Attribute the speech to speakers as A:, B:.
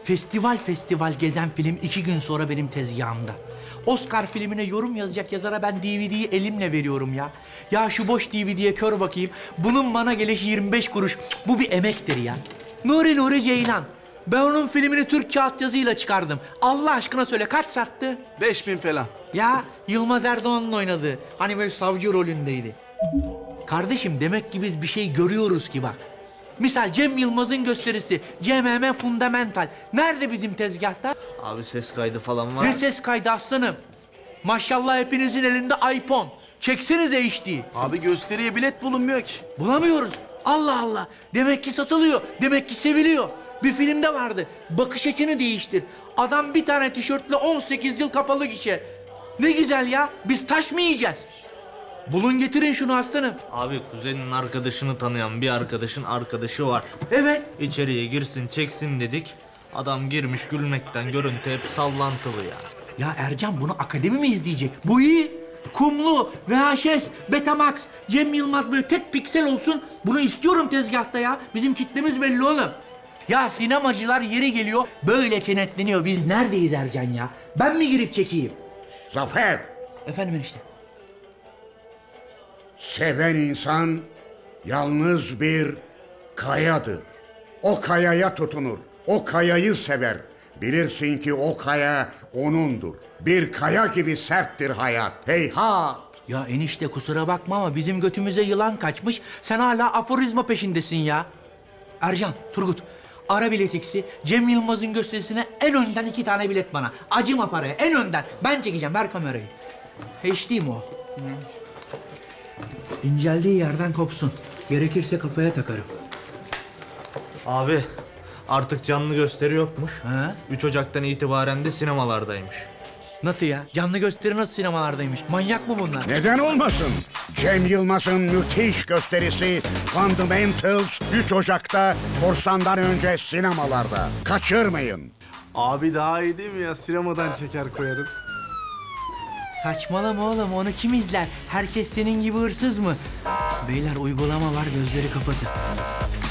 A: Festival festival gezen film 2 gün sonra benim tezgahımda. Oscar filmine yorum yazacak yazara ben DVD'yi elimle veriyorum ya. Ya şu boş DVD'ye kör bakayım. Bunun bana gelişi 25 kuruş. Bu bir emektir ya. Nuri Ceylan. Ben onun filmini Türkçe altyazıyla çıkardım. Allah aşkına söyle kaç sattı?
B: 5000 falan.
A: Ya Yılmaz Erdoğan'ın oynadığı. Hani böyle savcı rolündeydi. Kardeşim demek ki biz bir şey görüyoruz ki bak. Misal Cem Yılmaz'ın gösterisi CMM Fundamental. Nerede bizim tezgahta?
C: Abi ses kaydı falan var.
A: Ne ses kaydı aslanım? Maşallah hepinizin elinde iPhone. Çeksenize HD.
B: Abi gösteriye bilet bulunmuyor ki.
A: Bulamıyoruz. Allah Allah. Demek ki satılıyor. Demek ki seviliyor. Bir filmde vardı. Bakış açını değiştir. Adam bir tane tişörtle 18 yıl kapalı gişe. Ne güzel ya. Biz taş mı yiyeceğiz? Bulun getirin şunu aslanım.
C: Abi kuzenin arkadaşını tanıyan bir arkadaşın arkadaşı var.
A: Evet.
C: İçeriye girsin çeksin dedik. Adam girmiş gülmekten görüntü hep sallantılı ya.
A: Ya Ercan bunu akademi mi izleyecek? Bu iyi. Kumlu, VHS, Betamax, Cem Yılmaz böyle tek piksel olsun. Bunu istiyorum tezgahta ya. Bizim kitlemiz belli oğlum. Ya sinemacılar yeri geliyor böyle kenetleniyor. Biz neredeyiz Ercan ya? Ben mi girip çekeyim?
D: Zafer,
A: Efendim enişte.
D: seven insan yalnız bir kayadır. O kayaya tutunur, o kayayı sever. Bilirsin ki o kaya onundur. Bir kaya gibi serttir hayat. Heyhat!
A: Ya enişte kusura bakma ama bizim götümüze yılan kaçmış. Sen hala aforizma peşindesin ya. Ercan, Turgut, ara biletiksi. Cem Yılmaz'ın gösterisine en önden 2 tane bilet bana. Acıma paraya, en önden. Ben çekeceğim, ver kamerayı. HD mi o? İnceldiği yerden kopsun. Gerekirse kafaya takarım.
C: Abi artık canlı gösteri yokmuş.
A: Ha?
C: 3 Ocak'tan itibaren de sinemalardaymış.
A: Nasıl ya? Canlı gösteri nasıl sinemalardaymış? Manyak mı bunlar?
D: Neden olmasın? Cem Yılmaz'ın müthiş gösterisi Fundamentals 3 Ocak'ta korsandan önce sinemalarda. Kaçırmayın.
B: Abi daha iyi değil mi ya? Sinemadan çeker koyarız.
A: Saçmalama oğlum, onu kim izler? Herkes senin gibi hırsız mı? Beyler uygulama var, gözleri kapatın.